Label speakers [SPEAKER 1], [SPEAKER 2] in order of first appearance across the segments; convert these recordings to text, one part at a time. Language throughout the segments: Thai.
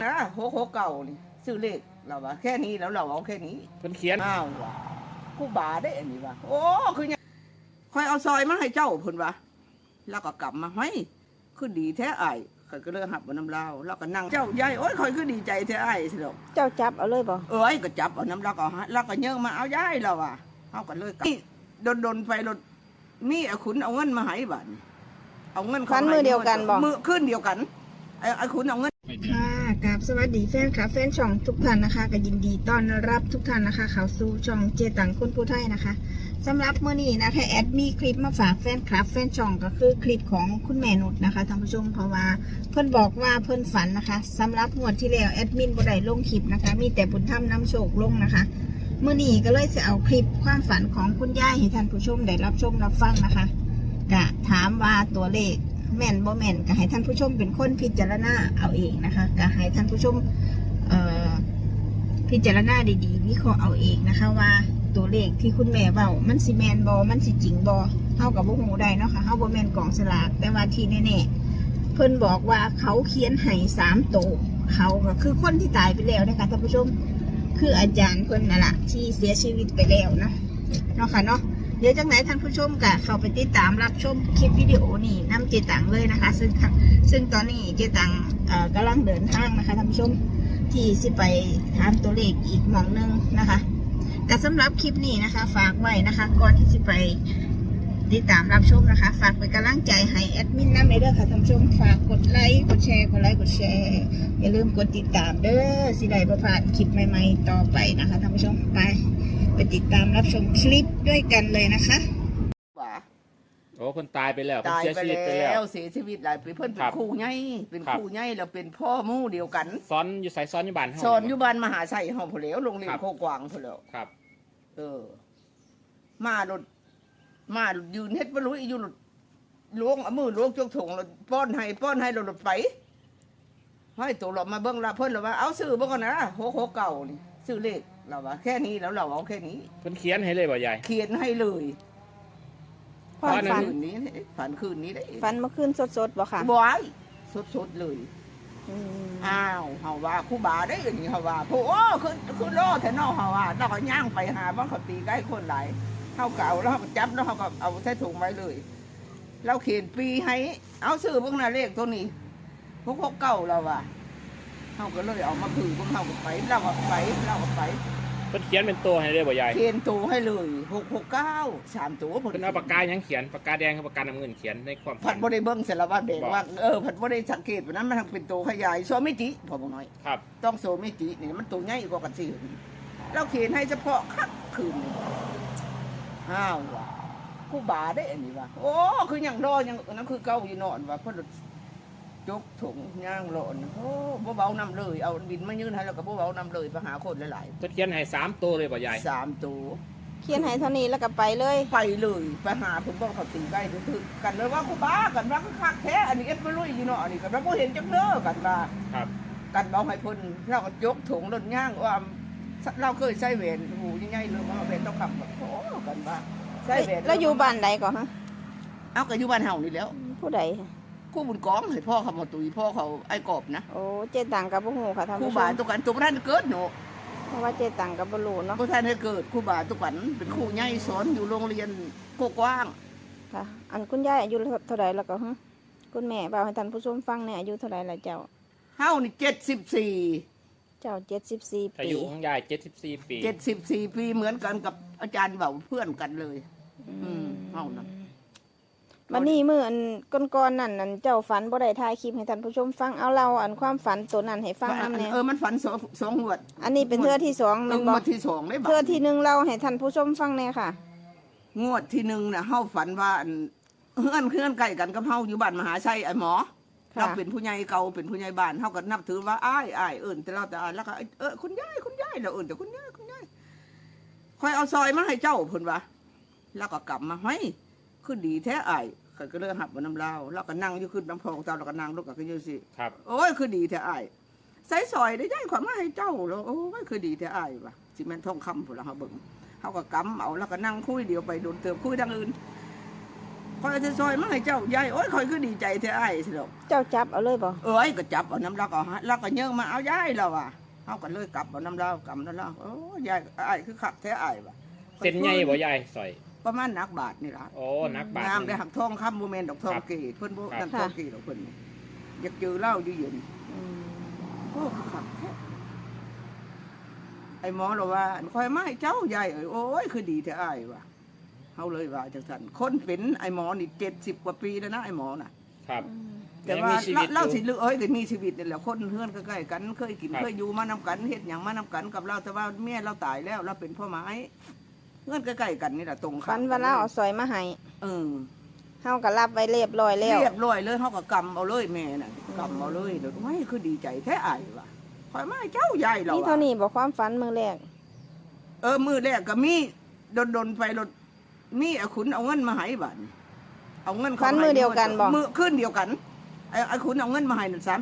[SPEAKER 1] นะโหเก่านี่ซื้อเลขเราว่าแค่นี้แล้วเราเอาแค่นี้
[SPEAKER 2] เพิ่นเขียน
[SPEAKER 1] อ้าวว่ะผู้บาได้อันนี้ว่ะโอ้คือยังคอยเอาซอยมาให้เจ้าเพิ่นว่ะแล้วก็กลับมาเฮ้ยคือดีแท้อ้ายข่อยก็เลยหับเอาน้ำลาวแล้วก็นั่งเจ้ายายโอ้ยข่อยคือดีใจแท้อ้ายสิดอก
[SPEAKER 3] เจ้าจับเอาเลยบ่
[SPEAKER 1] เอ้ยก็จับเอาน้ำลาวก็แล้วก็เยิ่งมาเอายายแล้วว่ะเฮาก็เลยกลับโดนไปรถมีไอ้ขุนเอาเงินมาให้บัดเอาเงิน
[SPEAKER 3] ฟันมือเดียวกันบ่
[SPEAKER 1] มือขึ้นเดียวกันไอ้ขุนเอาเงิน
[SPEAKER 3] ค่ะกับสวัสดีแฟนค่ะแฟนช่องทุกท่านนะคะก็ยินดีต้อนรับทุกท่านนะคะเข้าสู่ช่องเจตังคนผู้ไทยนะคะสำหรับมื้อนี้นะคะแอดมีคลิปมาฝากแฟนคลับแฟนช่องก็คือคลิปของคุณแม่นุชนะคะท่านผู้ชมเพราะว่าเพิ่นบอกว่าเพิ่นฝันนะคะสำหรับงวดที่แล้วแอดมินบ่ได้ลงคลิปนะคะมีแต่บุญธรรมนำโชคลงนะคะมื้อนี้ก็เลยจะเอาคลิปความฝันของคุณยายให้ท่านผู้ชมได้รับชมรับฟังนะคะก็ถามว่าตัวเลขแม่นบ่แม่นก็ให้ท่านผู้ชมเป็นคนพิจารณาเอาเองนะคะก็ให้ท่านผู้ชมพิจารณาดีๆวิเคราะห์เอาเองนะคะว่าตัวเลขที่คุณแม่เว้ามันสิแม่นบ่มันสิจริงบ่เฮากับบ่ฮู้ได้เนาะค่ะเฮาบ่แม่นกองสลากแต่ว่าที่แน่ๆเพิ่นบอกว่าเขาเขียนให้3ตัวเขาก็คือคนที่ตายไปแล้วนะคะท่านผู้ชมคืออาจารย์เพิ่นน่ะล่ะที่เสียชีวิตไปแล้วเนาะค่ะเนาะเดี๋ยวจากไหนท่านผู้ชมก็เข้าไปติดตามรับชมคลิปวิดีโอนี้นำเจตังเลยนะคะซึ่งตอนนี้เจตังกำลังเดินทางนะคะท่านผู้ชมที่สิไปถามตัวเลขอีกหม่องนึงนะคะแต่สำหรับคลิปนี้นะคะฝากไว้นะคะก่อนที่จะไปติดตามรับชมนะคะฝากเป็นกำลังใจให้แอดมินน้ำในเด้อค่ะท่านผู้ชมฝากกดไลค์กดแชร์กดไลค์กดแชร์อย่าลืมกดติดตามเด้อสิได้บ่พลาดคลิปใหม่ๆต่อไปนะคะท่านผู้ชมไปติดตามรับชมคลิปด้วยกันเลยนะคะ
[SPEAKER 1] ว่า
[SPEAKER 2] โอ้คนตายไปแล้ว
[SPEAKER 1] ตายไป
[SPEAKER 2] เสียชีวิตไปแล้ว
[SPEAKER 1] เสียชีวิตหลายปีเพิ่นเป็นครูใหญ่เป็นครูใหญ่แล้วเป็นพ่อหมู่เดียวกัน
[SPEAKER 2] ซ้อนอยู่ใส่ซ้อนอยู่บ้านเฮา
[SPEAKER 1] สอนอยู่บ้านมหาชัยห้องพุ่นแล้วโรงเรียนโคกวางพุ่นแล้ว
[SPEAKER 2] ครับ
[SPEAKER 1] มาหลุดยืนเฮ็ดบ่รู้อยู่หลุดล้วงเอามือล้วงจกถุงแล้วป้อนให้หลุดไปให้ตัวเรามาเบิ่งละเพิ่นว่าเอาซื้อบ่ก่อนนะโหเก่านี่ซื้อเลขเราว่าแค่นี้แล้วเราเอาแค่นี้
[SPEAKER 2] เพิ่นเขียนให้เลยบ่ยาย
[SPEAKER 1] เขียนให้เลยฝันคืนนี้ได้
[SPEAKER 3] ฝันเมื่อคืนสดๆบ่ค่ะ
[SPEAKER 1] บ่อยสดเลยอ้าวเฮาว่าครูบาได้อย่างนี้เฮาว่าโอ้คือรอแท้เนาะเฮาว่าเราก็ย่างไปหาบ้านเขาตีใกล้คนหลายเฮาก็เอาแล้วเฮาก็จับแล้วเฮาก็เอาใส่ถุงไว้เลยเราเขียนปีให้เอาซื้อพวกน่ะเลขตัวนี้พวกเก่าเราว่าเฮาก็เลยเอามาถือพวกเฮาก็ไปเราก็ไป
[SPEAKER 2] เพิ่นเขียนเป็นตัวให้เลยบ่ยาย
[SPEAKER 1] เขียนตัวให้เลย669 3ตัว
[SPEAKER 2] เพิ่นเอาปากกาหยังเขียนปากกาแดงกับปากกาน้ำเงินเขียนในความ
[SPEAKER 1] ผัดบ่ได้เบิ่งเสร็จแล้วว่าแดงว่าผัดบ่ได้สังเกตว่านั้นมันเป็นตัวขยายโซมิจิพอบ่น้อย
[SPEAKER 2] ครับ
[SPEAKER 1] ต้องโซมิจินี่มันตัวใหญ่กว่ากันสิเราเขียนให้เฉพาะคักคืนอ้าวว่ะกูบาได้อันนี้ว่ะโอ้คือยังรอยังนั้นคือเก่าอยู่นอนว่ะเพิ่นจกถุงย่างหลอนโอ้บ่เบาน้ำเลยเอาบินมายืนให้แล้วก็บ่เบาน้ำเลยไปหาคนหลาย
[SPEAKER 2] ๆเพิ่นเขียนให้3ตัวเลยบ่ยาย
[SPEAKER 1] 3ตัว
[SPEAKER 3] เขียนให้เท่านี้แล้วก็ไปเลย
[SPEAKER 1] ไปหาผมบอกเขาตีใกล้ถึงกันเลยว่ากูบ้ากันว่าคักแท้อันนี้เอ็ดไม่รู้อยู่เนาะอันนี้กันว่าบ่เห็นจักเด้อกันว่า
[SPEAKER 2] ครับ
[SPEAKER 1] กันบอกให้เพิ่นเราก็ยกถุงรถย่างว่าเราเคยใช้แหวนหูใหญ่ๆเลยว่าแหวนต้องขับโอ้กันว่า
[SPEAKER 3] ใช้แหวนแล้วอยู่บ้านใดก่อนฮะ
[SPEAKER 1] เอาก็อยู่บ้านเฮานี่แล้ว
[SPEAKER 3] ผู้ใด
[SPEAKER 1] คู่บุญกองให้พ่อเขามาตุยพ่อเขาไอ้กบนะ
[SPEAKER 3] โอ้เจตังกับบ่ฮู้ค่ะท่านผู้ชม
[SPEAKER 1] ครูบาตุกันตัวท่านเกิดเนาะ
[SPEAKER 3] เพราะว่าเจตังกับบ่รู้เนาะ
[SPEAKER 1] ผู้ท่านให้เกิดครูบาตุกันเป็นครูใหญ่สอนอยู่โรงเรียนโคกว้าง
[SPEAKER 3] ค่ะอันคุณยายอายุเท่าใดแล้วก็ฮะคุณแม่เบาให้ท่านผู้ชมฟังเนี่ยอายุเท่าใดล่ะเจ้า
[SPEAKER 1] เฮานี่74
[SPEAKER 3] เจ้า74ปี
[SPEAKER 2] อายุของยาย74ปี
[SPEAKER 1] 74ปีเหมือนกันกับอาจารย์เบาเพื่อนกันเลยเฮานะ
[SPEAKER 3] วันนี้มื้ออันก่อนๆนั่นเจ้าฝันบ่ได้ถ่ายคลิปให้ท่านผู้ชมฟังเอาเราอันความฝันตัวนั้นให้ฟังนำแน่
[SPEAKER 1] มันฝัน2งวด
[SPEAKER 3] อันนี้เป็นเทื่อที่2แม่นบ่
[SPEAKER 1] งวดที่2ได้บ่
[SPEAKER 3] เทื่อที่1เราให้ท่านผู้ชมฟังแน่ค่ะ
[SPEAKER 1] งวดที่1น่ะเฮาฝันว่าเฮือนใกล้กันกับเฮาอยู่บ้านมหาชัยไอ้หมอเราเป็นผู้ใหญ่เก่าเป็นผู้ใหญ่บ้านเฮาก็นับถือว่าอ้ายเอิ้นแต่เราแต่แล้วก็คุณยายเราเอิ้นแต่คุณยายค่อยเอาซอยมาให้เจ้าเพิ่นว่าแล้วก็กลับมาเฮ้ยคือดีแท้อ้ายข่อยก็เลยหับเอาน้ำลาวแล้วก็นั่งอยู่ขึ้นน้ำพองเจ้าแล้วก็นั่งลงก็อยู่สิ
[SPEAKER 2] ครับ
[SPEAKER 1] โอ้ยคือดีแท้อ้ายใส่ซอยได้ย้ายความมาให้เจ้าแล้วโอ้ยคือดีแท้อ้ายว่ะสิแม่นทองคำพุ่นล่ะเฮาเบิ่งเฮาก็กำเอาแล้วก็นั่งคุยเดียวไปโดนเติมคุยดังอื่นคอยจะซอยมาให้เจ้ายายโอ้ยคอยก็ดีใจแท้อ้ายสิดอก
[SPEAKER 3] เจ้าจับเอาเลยบ่
[SPEAKER 1] เอ้ยก็จับเอาน้ำเราก็เอาเราก็เยอะมาเอายายเราอ่ะเขาก็เลยกลับเอาน้ำเรากำน้ำเราโอ้ยายอ้ายคือขับแท้อ้ายว่ะ
[SPEAKER 2] เส้นใหญ่บ่ยายซอย
[SPEAKER 1] ประมาณนักบาทนี่ล่ะ
[SPEAKER 2] โอ้นักบาท
[SPEAKER 1] งามได้หักทองคำโมเมนต์ดอกทอง
[SPEAKER 2] ครับ
[SPEAKER 1] กีเพิ่นบ่
[SPEAKER 2] ครับ
[SPEAKER 1] นั่นทองกีดอกเพิ่นนี่อยากเจอเหล้าอยู่เย็น
[SPEAKER 3] อืม
[SPEAKER 1] โอ้ขับแท้ไอ้หมอเราว่าคอยมาให้เจ้ายายเอ้ยโอ้ยคือดีแท้อ้ายว่ะเฮาเลยว่าจังซั่นคนเป็นไอ้หมอนี่70 กว่าปีแล้วนะไอ้หมอน่ะ
[SPEAKER 2] ครับ
[SPEAKER 1] แต่ว่า
[SPEAKER 2] ยังมีชีวิตอยู่
[SPEAKER 1] เล่าสิลือเอ้ยก็มีชีวิตนี่แหละคนเฮือนใกล้ๆกันเคยกิน
[SPEAKER 2] ครับ
[SPEAKER 1] เคยอยู่มานำกันเฮ็ดหยังมานำกันกับเราแต่ว่าเมียเราตายแล้วเราเป็นพ่อไม้เฮือนใกล้ๆกันนี่แหละตรงข้
[SPEAKER 3] ฝันว่าเราเอาซอยมาให้
[SPEAKER 1] เออ
[SPEAKER 3] เฮาก็รับไว้เรียบร้อยแล้ว
[SPEAKER 1] เรียบร้อยเลยเฮาก็กำเอาเลยแม่น่ะกำเอาเลยเดี๋ยวไม่คือดีใจแท้อายว่ะข่อยมาให้เจ้าใหญ่เรา
[SPEAKER 3] นี่เท่านี้บ่ความฝันมื้อแรก
[SPEAKER 1] มือแรกก็มีดนไปรถมีไอ้ขุนเอาเงินมาให้บัดเอาเงิน
[SPEAKER 3] ฝันมื้อเดียวกันบ่
[SPEAKER 1] มือขึ้นเดียวกันไอ้ขุนเอาเงินมาให้นั่น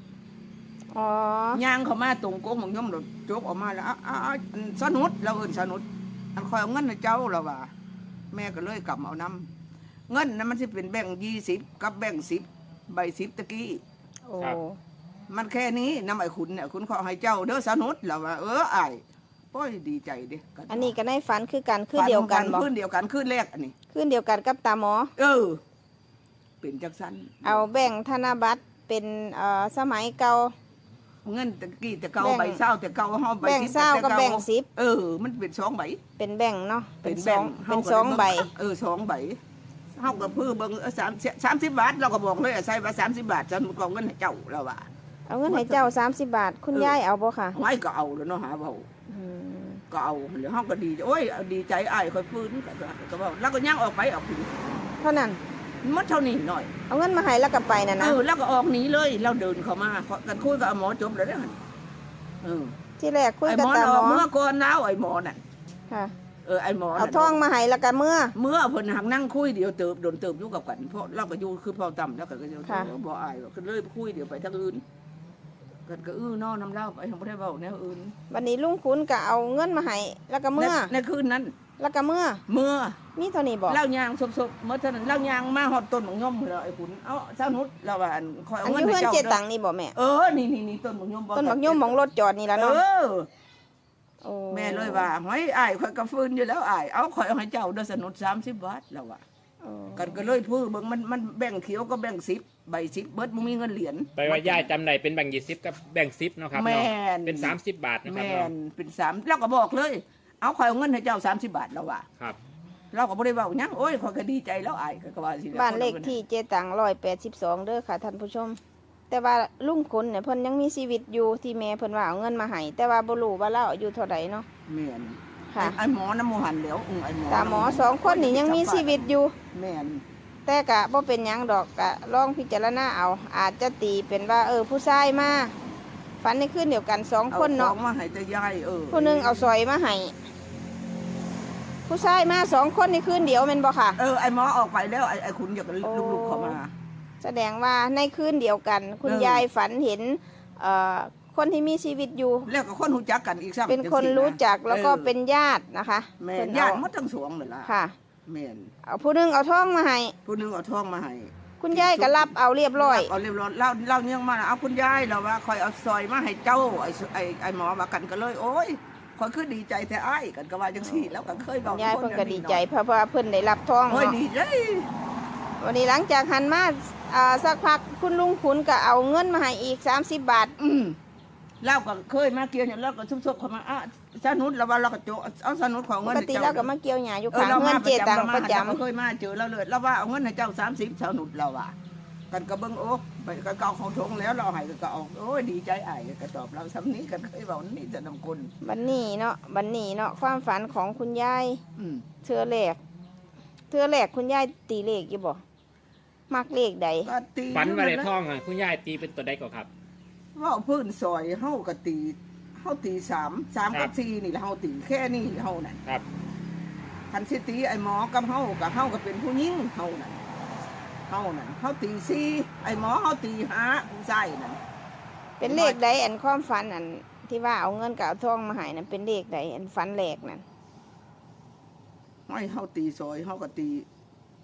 [SPEAKER 1] 30
[SPEAKER 3] อ๋อย่าง
[SPEAKER 1] เข้ามาตรงโก๊งของย่อมรถโจกออกมาแล้วสนุดเราเอิ้นสนุดอันคอยเอาเงินให้เจ้าเราว่า แม่ก็เลยกลับเอาน้ำเงินนั้นมันสิเป็นแบ่ง20กับแบ่ง10ใบ10ตะกี้
[SPEAKER 3] โอ้
[SPEAKER 2] ครับ
[SPEAKER 1] มันแค่นี้น้ำไอ้ขุนเนี่ยขุนขอให้เจ้าเด้อสนุดเราว่าอ้ายป้อยดีใจเด้
[SPEAKER 3] อันนี้ก็ในฝันคือกันคือเดียวกันบ่
[SPEAKER 1] คืนเดียวกันคืนแรกอันนี้
[SPEAKER 3] คือเดียวกันกับตาหมอ
[SPEAKER 1] เป็นจักสัน
[SPEAKER 3] เอาแบ่งธนบัตรเป็นสมัยเก่า
[SPEAKER 1] เงินตะกี้แต่เก่า
[SPEAKER 3] แบ่ง
[SPEAKER 1] ใบเศร้าแต่เก่าห้าใบ
[SPEAKER 3] แบ่ง
[SPEAKER 1] สิบ
[SPEAKER 3] เศร้ากับ
[SPEAKER 1] แต่
[SPEAKER 3] แบ่งสิบ
[SPEAKER 1] มันเป็น2 ใบ
[SPEAKER 3] เป็นแบ่งเนาะ
[SPEAKER 1] เป็นแบ่ง
[SPEAKER 3] เป็น2 ใบ
[SPEAKER 1] 2 ใบเฮากับเพื่อเบิ่ง30 บาทเราก็บอกเลยใส่ว่า30 บาทฉันกองเงินให้เจ้าแล้วว่า
[SPEAKER 3] เอาเงินให้เจ้า30 บาท คุณยายเอาบ่ค่ะ
[SPEAKER 1] ไว้ก็เอาแล้วเนาะหาเว้า
[SPEAKER 3] อืม
[SPEAKER 1] ก็เอาแล้วเฮาก็ดีโอ้ยดีใจอ้ายค่อยฟื้นก็เว้าแล้วก็ย่างออกไปออกถึง
[SPEAKER 3] เท่านั้น
[SPEAKER 1] มันเท่านี้หน่อย
[SPEAKER 3] เอาเงินมาให้แล้วก็ไปน่ะนะ
[SPEAKER 1] แล้วก็ออกหนีเลยเราเดินเข้ามากันคุยกับหมอจบแล้วเด้อหั่น
[SPEAKER 3] ที่แรกคุย
[SPEAKER 1] ไอ้
[SPEAKER 3] กับ
[SPEAKER 1] หมอ
[SPEAKER 3] ตา
[SPEAKER 1] อ
[SPEAKER 3] หม
[SPEAKER 1] อก
[SPEAKER 3] อ
[SPEAKER 1] เมื่อก่อนแล้วไอ้หมอน่ะ
[SPEAKER 3] ค่ะ
[SPEAKER 1] ไอ้หมอ
[SPEAKER 3] เอาทองมาให้แล้วก็เมื่อ
[SPEAKER 1] เมื่อเพิ่นหักนั่งคุยเดียวเติบโดนเติบอยู่กับกันเพราะเราก็อยู่คือพอต่ำแล้วก็อยู่
[SPEAKER 3] ค่ะ
[SPEAKER 1] บ่อายก็เลยคุยเดี๋ยวไปทางอื่นกันก็น้อน้ำเล่าไปทางบ่ได้เว้าแนวอื่น
[SPEAKER 3] วันนี้ลุงขุนก็เอาเงินมาให้แล้วก็เมื่อ
[SPEAKER 1] ในคืนนั้น
[SPEAKER 3] แล้วก็เมื่อ
[SPEAKER 1] เมื่อ
[SPEAKER 3] มีเท่านี้บ่
[SPEAKER 1] เล่ายางซบๆเมื่อเท่านั้นเล่ายางมาฮอดต้นหมกย่อมแล้วไอ้ขุนเอ้าเจ้านุชเราว่าคอยเอา
[SPEAKER 3] อัน
[SPEAKER 1] เงิน
[SPEAKER 3] อยู่
[SPEAKER 1] ให้
[SPEAKER 3] เพื่อน
[SPEAKER 1] เจ้า
[SPEAKER 3] เจ
[SPEAKER 1] เด้
[SPEAKER 3] ตั
[SPEAKER 1] อง
[SPEAKER 3] นี่บ่แม่
[SPEAKER 1] นี่ต้นหมกย่อมบ่
[SPEAKER 3] ต้นบักยุ่มของรถจอดนี่ล่ะเนาะ โอ้
[SPEAKER 1] แม่เลยว่าเฮ้ยอ้ายข่อยก็ฟื้นอยู่แล้วอ้ายเอาข่อยเอาให้เจ้าเด้อสนุด30 บาทแล้วว่า
[SPEAKER 3] โอ้
[SPEAKER 1] กันก็เลยพูดเบิ่งมันแบ่งเขียวก็แบ่ง10ใบ10เบิดบ่มีเงินเหรียญ
[SPEAKER 2] ไปว่ายายจำได้เป็นแบ่ง20กับแบ่ง10เนาะครับ
[SPEAKER 1] แม่
[SPEAKER 2] เนาะ
[SPEAKER 1] น
[SPEAKER 2] เป็น30 บาทนะครับ
[SPEAKER 1] แม่
[SPEAKER 2] เนาะ
[SPEAKER 1] นเป็น3แล้วก็บอกเลย เอาข่อยเอาเงินให้เจ้า30 บาทแล้วว่า
[SPEAKER 2] ครับ
[SPEAKER 1] เราก็บ่ได้เว้าหยังโอ้ยข่อยก็ดีใจแล้วอ้ายก็ว่าสิ
[SPEAKER 3] บ้านเลขที่เจตัง182เด้อค่ะท่านผู้ชม แต่ว่าลุงขุนเนี่ยเพิ่นยังมีชีวิตอยู่ที่แม่เพิ่นว่าเอาเงินมาให้แต่ว่าบ่รู้ว่าเราอายุเท่าใดเนาะ
[SPEAKER 1] แม่น
[SPEAKER 3] ค่ะ
[SPEAKER 1] ไอ้หมอน้ำหมูหันแล้วไอ้หมอ
[SPEAKER 3] ตาหมอ2คนนี่ยังมีชีวิตอยู่
[SPEAKER 1] แม่น
[SPEAKER 3] แต่กะบ่เป็นหยังดอกกะลองพิจารณาเอา อาจจะตีเป็นว่าผู้ชายมาฝันในคืนเดียวกัน2คนเนาะ
[SPEAKER 1] อของมาให้แต่ยาย
[SPEAKER 3] ผู้หนึงเอาซอยมาให้ผู้ชายมา2คนในคืนเดียวแม่นบ่ค่ะ
[SPEAKER 1] ไอ้หมอออกไปแล้วไอ้ขุนอยากลูกๆเข้ามา
[SPEAKER 3] แสดงว่าในคืนเดียวกัน คุณยายฝันเห็นคนที่มีชีวิตอยู่
[SPEAKER 1] แล้วก็คนรู้จักกันอีกซ้ำ
[SPEAKER 3] เป็นคนรู้จักแล้วก็เป็นญาตินะคะ
[SPEAKER 1] แม่
[SPEAKER 3] เพิ่
[SPEAKER 1] น
[SPEAKER 3] น
[SPEAKER 1] ญา
[SPEAKER 3] เอา
[SPEAKER 1] ติหมดทั้งสองนั่นล่ะ
[SPEAKER 3] ค่ะ
[SPEAKER 1] แม่น
[SPEAKER 3] เอาผู้หนึงเอาทองมาให้
[SPEAKER 1] ผู้หนึงเอาทองมาให้
[SPEAKER 3] คุณยายก็รับเอาเรียบร้อย
[SPEAKER 1] เอาเรียบร้อยเราเนี่ยงมาเอาคุณยายเราว่าคอยเอาซอยมาให้เจ้าไอ้หมอว่ากันก็เลยโอ้ยคอยคือดีใจแต่อ้ายกันก็ว่าจังซี่แล้วก็เคยบอก
[SPEAKER 3] ยายเพิ่นก็ดีใจเพราะว่าเพิ่นได้รับทอง
[SPEAKER 1] โอ้ย
[SPEAKER 3] เนาะ
[SPEAKER 1] ดีใจ
[SPEAKER 3] วันนี้หลังจากหันมาสักพักคุณลุงขุนก็เอาเงินมาให้อีก30 บาท
[SPEAKER 1] เราก็เคยมาเกี่ยวเนี่ยเราก็ซุบๆเข้ามาสนุดเราว่าเราก็โจเอาสนุดของ
[SPEAKER 3] ป
[SPEAKER 1] เงิน
[SPEAKER 3] ก
[SPEAKER 1] ให้
[SPEAKER 3] ติ
[SPEAKER 1] เจ้า
[SPEAKER 3] เราก็มาเกี่ยวหญ้าอยู่ข้าง
[SPEAKER 1] เรา
[SPEAKER 3] เงิ
[SPEAKER 1] มาน
[SPEAKER 3] เจตังประจำ
[SPEAKER 1] เราเคยมาเจอเราเลยเราว่าเอาเงินให้เจ้า30สนุดเราว่ากันก็เบิ่งโอ้ไปก็เก่าของทงแล้วเราให้ก็เอาโอ้ยดีใจอ้ายก็ตอบเราซ้ำนี้กันเคยบอกนี่จะนำคน
[SPEAKER 3] บันนี้เนาะความฝันของคุณยาย เทือแรกคุณยายตีเลขอยู่บ่มักเลขใด
[SPEAKER 1] ก็ตี
[SPEAKER 2] ฝันว่าได้ทองอ่ะคุณยายตีเป็นตัวใดก่อนครับ
[SPEAKER 1] ว่าพื้นซอยเฮาก็ตีเฮาตี3กับ4นี่แหละเฮาตีแค่นี้เฮานั่น
[SPEAKER 2] ครับ
[SPEAKER 1] คันสิตีไอ้หมอกับเฮาก็เป็นผู้หญิงเฮานั่นเฮาตี4ไอ้หมอเฮาตี5ผู้ชายนั่น
[SPEAKER 3] เป็นเลขใดอันความฝันอันที่ว่าเอาเงินกับเอาทองมาให้นั่นเป็นเลขใดอันฝันแรกนั่น
[SPEAKER 1] ให้เฮาตีซอยเฮาก็ตี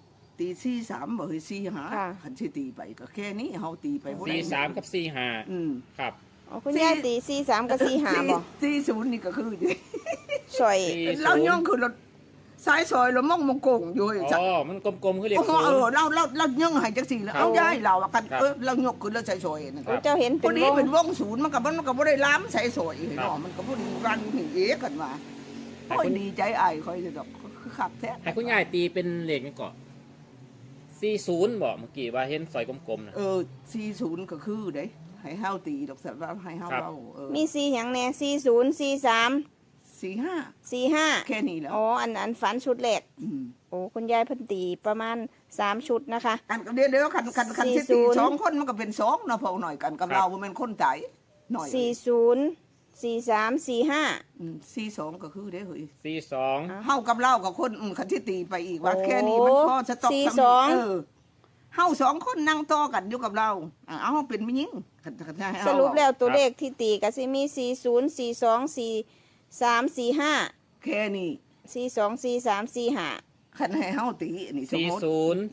[SPEAKER 1] ตี43บ่เฮ้ย45คันสิตีไปก็แค่นี้เฮาตีไปบ่ได้
[SPEAKER 2] 43กับ45
[SPEAKER 1] อืม
[SPEAKER 2] ครับ
[SPEAKER 3] อ๋อคุณยายตี43กับ45บ่
[SPEAKER 1] 40นี่ก็คือ
[SPEAKER 3] ซอย
[SPEAKER 2] 40
[SPEAKER 1] เราย่องคือรถสายซอยเรามองมงโกงอยู่
[SPEAKER 2] อ๋อมันกลมๆคือเลข
[SPEAKER 1] โอ้
[SPEAKER 2] ศูนย์
[SPEAKER 1] เราย่องให้จังซี่แล้ว
[SPEAKER 2] ครับ
[SPEAKER 1] เอาย้ายเราอะกัน
[SPEAKER 2] ครับ
[SPEAKER 1] เรายกขึ้นแล้วใส่ซอยนั่น
[SPEAKER 2] ครับ
[SPEAKER 3] เจ้าเห็น
[SPEAKER 1] พ
[SPEAKER 3] เป็
[SPEAKER 1] อน ดี
[SPEAKER 3] วง
[SPEAKER 1] เป็นวงศูนย์มันก็บ่ได้ล้ำใส่ซอยเนาะมันก็บ่ได้รันถึงเอกกันว่าโอ้ยดีใจอ้ายค่อยจะดอกคือคักแท้
[SPEAKER 2] ให้คุณยายตีเป็นเลขนี่ก่อน40บ่เมื่อกี้ว่าเห็นซอยกลมๆนะ
[SPEAKER 1] 40ก็คือเด้ให้เฮาตีดอกสัตว์ว่าให้เฮา
[SPEAKER 2] ครับ
[SPEAKER 1] เว้า
[SPEAKER 3] มี4หยังแน่40 43
[SPEAKER 1] 45
[SPEAKER 3] 45
[SPEAKER 1] แค่นี้แล้ว
[SPEAKER 3] อ๋ออันฝันชุดแรก
[SPEAKER 1] ม
[SPEAKER 3] โอ้คุณยายเพิ่นตีประมาณ3ชุดนะคะ
[SPEAKER 1] อันก็เดี๋ยวคันสิตี
[SPEAKER 3] 40
[SPEAKER 1] 2คนมันก็เป็น2เนาะพอหน่อยกันกับเราบ่แม่นคนใจหน่อย
[SPEAKER 3] 40 43 45
[SPEAKER 1] 42ก็คือเด้เฮ้ย
[SPEAKER 2] 42
[SPEAKER 1] เฮากับเรากับคนคันที่ตีไปอีกว่า
[SPEAKER 3] โอ้
[SPEAKER 1] แค่นี้มันพอสต็อก
[SPEAKER 3] 42
[SPEAKER 1] เฮา2คนนั่งต่อกันอยู่กับเราเอาเฮาเป็นผู้หญิงคันให้เฮา
[SPEAKER 3] สรุปแล้วตัวเลขที่ตีก็สิมี40 42 43 45
[SPEAKER 1] แค่นี้
[SPEAKER 3] 42 43 45
[SPEAKER 1] คันให้เฮาตีนี่สมมุติ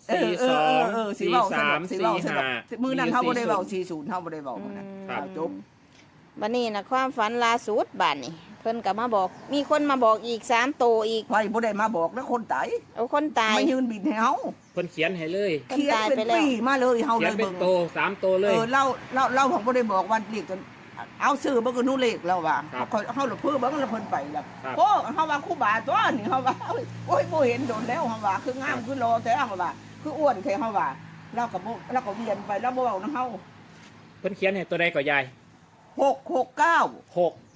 [SPEAKER 2] 40
[SPEAKER 1] สิเว้าสนุกสิ
[SPEAKER 2] 42
[SPEAKER 1] เว้าสนุก
[SPEAKER 2] 45
[SPEAKER 1] มื้อนั้นเฮาบ่ได้เว้า40เฮาบ่ได้เว้ามื้อนั้น
[SPEAKER 2] ครับ
[SPEAKER 1] จบ
[SPEAKER 3] บัดนี้นะความฝันล่าสุดบัดนี้เพิ่นก็มาบอก มีคนมาบอกอีก3โตวอีก
[SPEAKER 1] ไว้บ่ได้มาบอกแล้วคนตาย
[SPEAKER 3] เอาคนตาย
[SPEAKER 1] มายืนบิดให้เฮา
[SPEAKER 2] เพิ่นเขียนให้เลย
[SPEAKER 3] คน
[SPEAKER 1] เขียน
[SPEAKER 3] ตาย
[SPEAKER 1] เป็น
[SPEAKER 3] ไปแล้ว
[SPEAKER 1] ปีมาเลยเฮา
[SPEAKER 2] เขี
[SPEAKER 1] เลย ย
[SPEAKER 2] นเป็น
[SPEAKER 1] เบิ่ง
[SPEAKER 2] โต3โตเลย
[SPEAKER 1] เราของบ่ได้บอกว่าเลขจนเอาซื้อเบิ่งก็นู้เลขแล้วว่า
[SPEAKER 2] ครับ
[SPEAKER 1] เฮาละเพิ่นเบิ่งแล้วเพิ่นไปแล้ว
[SPEAKER 2] ครับ
[SPEAKER 1] โอ้เฮาว่าครูบาตัวนี่เฮาว่าโอ้ยบ่เห็นโดนแล้วเฮาว่าคืองามคือรอแต่เฮาว่าคืออ้วนแท้เฮาว่าเราก็เวียนไปแล้วบ่เว้านำเฮา
[SPEAKER 2] เพิ่นเขียนให้ตัวใดก็ยาย
[SPEAKER 1] 669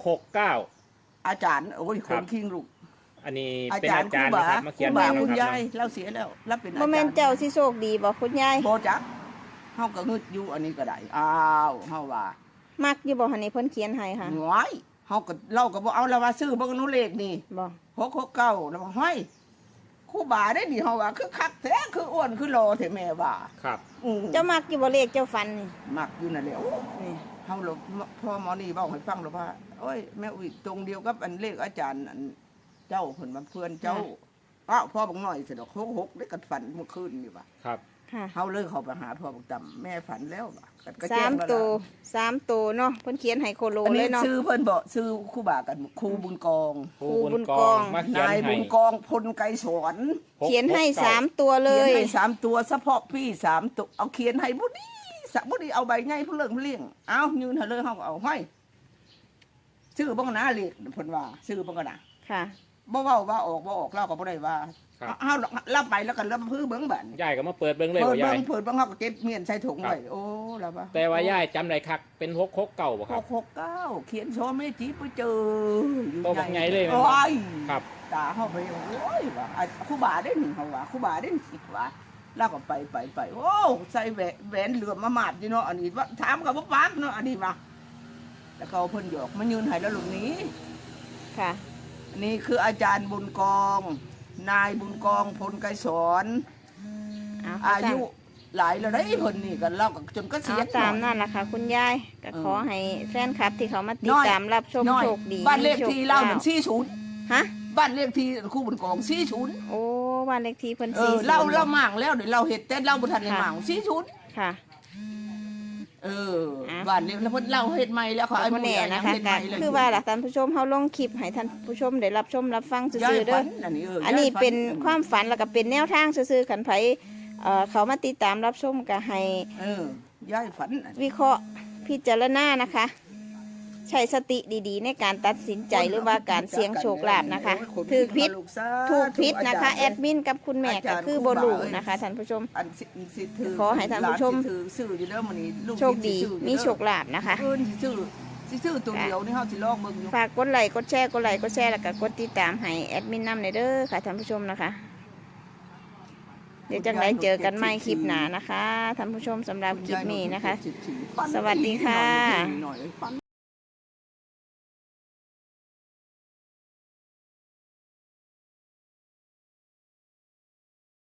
[SPEAKER 2] 669
[SPEAKER 1] อาจารย์โอ้ย
[SPEAKER 2] ค
[SPEAKER 1] ครับ นคิงลูก
[SPEAKER 2] อันนี้
[SPEAKER 1] อา
[SPEAKER 2] เป็น
[SPEAKER 1] จาร
[SPEAKER 2] อา
[SPEAKER 1] ย์ค
[SPEAKER 2] จา
[SPEAKER 1] รู
[SPEAKER 2] รย์
[SPEAKER 1] บา
[SPEAKER 2] นะครับมา
[SPEAKER 1] ค
[SPEAKER 2] เขี
[SPEAKER 1] รู
[SPEAKER 2] ยน
[SPEAKER 1] บา
[SPEAKER 2] ให้
[SPEAKER 1] คุณ
[SPEAKER 2] นะค
[SPEAKER 1] ยา
[SPEAKER 2] รับ
[SPEAKER 1] ยเราเสียแล้วเราเป็นอา
[SPEAKER 3] บ่
[SPEAKER 1] จารย์
[SPEAKER 3] แม่นเจ้าสิโชคดีบ่คุณยาย
[SPEAKER 1] บ่จักเฮาก็งึดอยู่อันนี้ก็ได้อ้าวเฮาว่า
[SPEAKER 3] มักอยู่บ่หั่นนี่เพิ่นเขียนให้ค่ะ
[SPEAKER 1] หวยเฮาก็เราก็บ่เอาแล้วว่าซื้อเบิ่งนู้เลขนี่
[SPEAKER 3] บ่
[SPEAKER 1] 669แล้วว่าห้อยครูบาได้นี่เฮาว่าคือคักแท้คืออ้วนคือรอแท้แม่ว่า
[SPEAKER 2] ครับ
[SPEAKER 3] เจ้ามักอยู่บ่เลขเจ้าฝันนี่
[SPEAKER 1] มักอยู่นั่นแหละ
[SPEAKER 3] นี่
[SPEAKER 1] เฮาพ่อหมอนี่เว้าให้ฟังแล้วว่าโอ้ยแม่อุ้ยตรงเดียวกับอันเลขอาจารย์อันเจ้าเพิ่นมาเพื่อนเจ้าอ้าวพ่อบักน้อยสิดอก66ได้กันฝันเมื่อคืนนี่ว่า
[SPEAKER 2] ครับ
[SPEAKER 3] ค่ะ
[SPEAKER 1] เฮาเลยเข้าไปหาพ่อบักตํแม่ฝันแล้วว่าก็แจ้ง
[SPEAKER 3] 3
[SPEAKER 1] แล้ว
[SPEAKER 3] ตัว
[SPEAKER 1] ล่ะ
[SPEAKER 3] 3ตัวเนาะเพิ่นเขียนให้โคโล
[SPEAKER 1] อัน
[SPEAKER 3] เล
[SPEAKER 1] นี้
[SPEAKER 3] ยเนาะ
[SPEAKER 1] ชื่อเพิ่นบ่ชื่อครูบากันครูบุญกอง
[SPEAKER 2] ครู
[SPEAKER 3] บุ
[SPEAKER 2] บุ
[SPEAKER 3] ญ
[SPEAKER 2] ญ
[SPEAKER 3] ก
[SPEAKER 2] ก
[SPEAKER 3] อ
[SPEAKER 2] อง งมาเขียน
[SPEAKER 1] นาย
[SPEAKER 2] ให้
[SPEAKER 1] บุญกองพลไกรสอน
[SPEAKER 3] เขียนให้
[SPEAKER 2] 669
[SPEAKER 3] 3 ตัวเล
[SPEAKER 1] เขียน
[SPEAKER 3] ย
[SPEAKER 1] ให้3ตัวเฉพาะพี่3ตัวเอาเขียนให้บุดีสะบุดีเอาใบใหญ่เพิ่นเลิกเลี้ยงเอายืนให้เลยเฮาก็เอาให้ชื่อบ่กันนะเลขเพิ่นว่าชื่อบ่กันนะ
[SPEAKER 3] ค่ะ
[SPEAKER 1] บ่เว้าว่าออกบ่ออกเราก็บ่ได้ว่า
[SPEAKER 2] ครับ
[SPEAKER 1] เอารับไปแล้วก็รับพื้นเบิ่งบัด
[SPEAKER 2] ยายก็มาเปิดเบิ่งเลย
[SPEAKER 1] เปิด
[SPEAKER 2] ว่ายา
[SPEAKER 1] เบิ่
[SPEAKER 2] ย
[SPEAKER 1] งเปิดเบิ่งเฮาก็เก็บเมียนใส่ถุงไว้โอ้แล้วว่า
[SPEAKER 2] แต่ว่ายายจำได้คักเป็น669บ่ครับ
[SPEAKER 1] 669เขียนโซเมจิไปเจออยู่
[SPEAKER 2] โตบักใหญ่เลยแม่นบ่
[SPEAKER 1] โอ้ย
[SPEAKER 2] ครับ
[SPEAKER 1] ตาเขาไปโอ้ยว่าครูบาได้หนึ่งเขาว่าครูบาได้หนึ่งว่าแล้วก็ไปโอ้ใส่แหวนเหลือมมาหมาดอยู่เนาะอันนี้ว่าถามกับว่าปากเนาะอันนี้มาแล้วก็เอาเพิ่นหยอกมันยืนให้แล้วลุงนี้
[SPEAKER 3] ค่ะ
[SPEAKER 1] อันนี้คืออาจารย์บุญกองนายบุญกองพลไกรสอนอายุหลายแล้วได้เพิ่นนี่กันเล่าจนก็เสีย
[SPEAKER 3] เอาตามนั่นล่ะค่ะ คุณยายก็ขอให้แฟนคลับที่เขามาติด
[SPEAKER 1] น้อย
[SPEAKER 3] ตามรับชม
[SPEAKER 1] น้อย
[SPEAKER 3] โชคดี
[SPEAKER 1] บ้านเลขที่เล่าหนึ่ง
[SPEAKER 3] มีโชค
[SPEAKER 1] 40
[SPEAKER 3] ฮะ
[SPEAKER 1] บ้านเลขที่ครูบุญกอง40
[SPEAKER 3] โอ้บ้านเลขที่เพิ่น
[SPEAKER 1] เล่า
[SPEAKER 3] 40
[SPEAKER 1] หมางแล้วเดี๋ยวเราเห็ดแต่เล่าบุทันในหมาง40
[SPEAKER 3] ค่ะ
[SPEAKER 1] บ้านเล็กแล้วเพิ่นเล่าเฮ็ดใหม่แล้วเขา
[SPEAKER 3] ก็บ่แน่นะคะ
[SPEAKER 1] เฮ็ดให
[SPEAKER 3] ก็
[SPEAKER 1] ม่เลย
[SPEAKER 3] คือว่าล่ะท่านผู้ชมเฮาลงคลิปให้ท่านผู้ชมได้รับชมรับฟังซื่
[SPEAKER 1] ย้าย
[SPEAKER 3] อๆเด้
[SPEAKER 1] ฝั
[SPEAKER 3] อน
[SPEAKER 1] อันนี้
[SPEAKER 3] อันนี้
[SPEAKER 1] ย้ยฝั
[SPEAKER 3] เป็นความฝันแล้วก็เป็นแนวทางซื่อๆคันไผเขามาติดตามรับชมก็ให้
[SPEAKER 1] ย้ายฝันอัน
[SPEAKER 3] วิเคราะห์พิจารณานะคะ ใช้สติดีๆ ในการตัดสินใจหรือว่าการเสี่ยงโชคลาภนะคะถูกผิดถูกผิดนะคะแอดมินกับคุณแม่ก็คือบ่รู้นะคะท่านผู้ชม
[SPEAKER 1] อันสิถือ
[SPEAKER 3] ขอให้ท่านผู้ชม
[SPEAKER 1] หลสิถือซื้ออยู่เด้อมื้อนี้ลูก
[SPEAKER 3] โชคดี
[SPEAKER 1] สิซื้ออยู่เอ
[SPEAKER 3] มีโชคลาภนะคะ
[SPEAKER 1] เพิ่นสิซื้อตัวเดียวนี่เฮาสิลองเบิ่งอยู่
[SPEAKER 3] ฝากกดไลค์กดแชร์แล้วก็กดติดตามให้แอดมินนำในเด้อค่ะท่านผู้ชมนะคะ เดี๋ยวจังไดเจอกันใหม่คลิปหน้านะคะท่านผู้ชมสำหรับคลิปนี้นะคะ สวัสดีค่ะ
[SPEAKER 1] หน่อย